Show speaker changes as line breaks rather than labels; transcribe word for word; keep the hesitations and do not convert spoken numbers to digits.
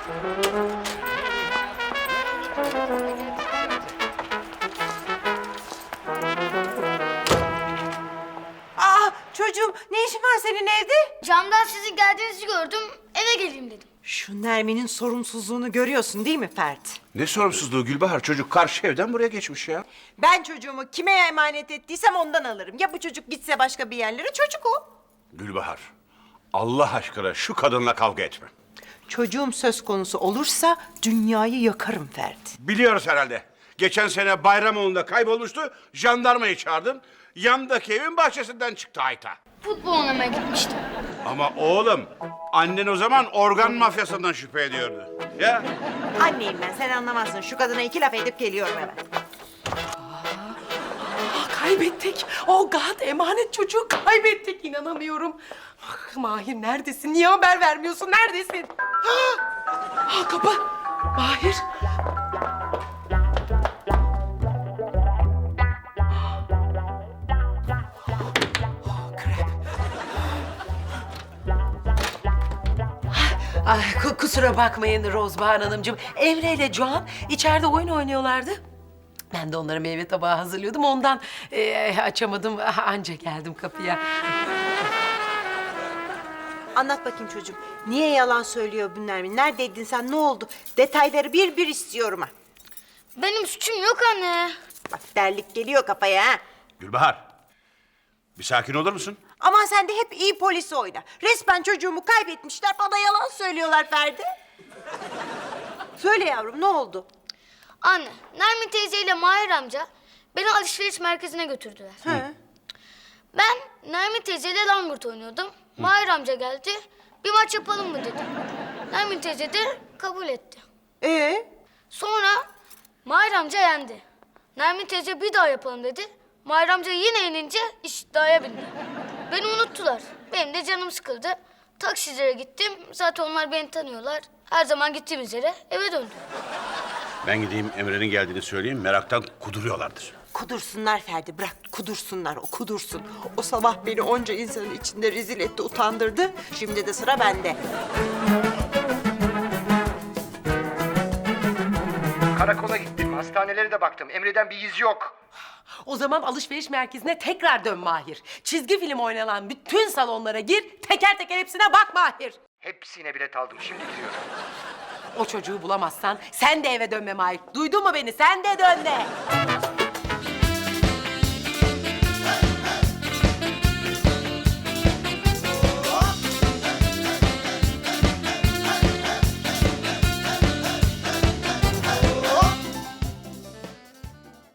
Aa çocuğum, ne işin var senin evde?
Camdan sizin geldiğinizi gördüm, eve geleyim dedim.
Şu Nermin'in sorumsuzluğunu görüyorsun değil mi Fert?
Ne sorumsuzluğu Gülbahar? Çocuk karşı evden buraya geçmiş ya.
Ben çocuğumu kime emanet ettiysem ondan alırım. Ya bu çocuk gitse başka bir yerlere, çocuk o.
Gülbahar, Allah aşkına şu kadınla kavga etme.
Çocuğum söz konusu olursa dünyayı yakarım Fert.
Biliyoruz herhalde. Geçen sene Bayramoğlu'nda kaybolmuştu, jandarmayı çağırdın. Yandaki evin bahçesinden çıktı hayta.
Futbol oynamaya gitmiştim.
Ama oğlum, annen o zaman organ mafyasından şüphe ediyordu. Ya?
Anneyim ben, sen anlamazsın. Şu kadına iki laf edip geliyorum hemen.
Ah, kaybettik. Oh God, emanet çocuğu kaybettik. İnanamıyorum. Ah, Mahir neredesin? Niye haber vermiyorsun? Neredesin? Ah, ah, kapı. Mahir. Oh, krep. Ay, ku- kusura bakmayın Rozbahar Hanımcığım. Emre ile Doğan içeride oyun oynuyorlardı. Ben de onlara meyve tabağı hazırlıyordum. Ondan eee, açamadım. Anca geldim kapıya.
Anlat bakayım çocuğum. Niye yalan söylüyor bu Nermin? Neredeydin sen? Ne oldu? Detayları bir bir istiyorum ha.
Benim suçum yok anne.
Bak derlik geliyor kafaya ha.
Gülbahar, bir sakin olur musun?
Aman sen de hep iyi polis oyna. Resmen çocuğumu kaybetmişler, bana yalan söylüyorlar Ferdi. Söyle yavrum, ne oldu?
Anne, Nermin teyzeyle Mahir amca beni alışveriş merkezine götürdüler.
Hı.
Ben Nermin teyzeyle langırt oynuyordum. Mahir amca geldi, bir maç yapalım mı dedi. Nermin teyze de kabul etti.
Ee?
Sonra Mahir amca yendi. Nermin teyze bir daha yapalım dedi. Mahir amca yine yenince iş iddiaya bindi. Beni unuttular. Benim de canım sıkıldı. Taksicilere gittim. Zaten onlar beni tanıyorlar. Her zaman gittiğimiz yere eve döndüm.
Ben gideyim Emre'nin geldiğini söyleyeyim, meraktan kuduruyorlardır.
Kudursunlar Ferdi, bırak kudursunlar, o kudursun. O sabah beni onca insanın içinde rezil etti, utandırdı. Şimdi de sıra bende.
Karakola gittim, hastanelere de baktım. Emre'den bir iz yok.
O zaman alışveriş merkezine tekrar dön Mahir. Çizgi film oynanan bütün salonlara gir, teker teker hepsine bak Mahir.
Hepsine bilet aldım, şimdi gidiyorum.
O çocuğu bulamazsan sen de eve dönme Mahir. Duydun mu beni? Sen de dönme.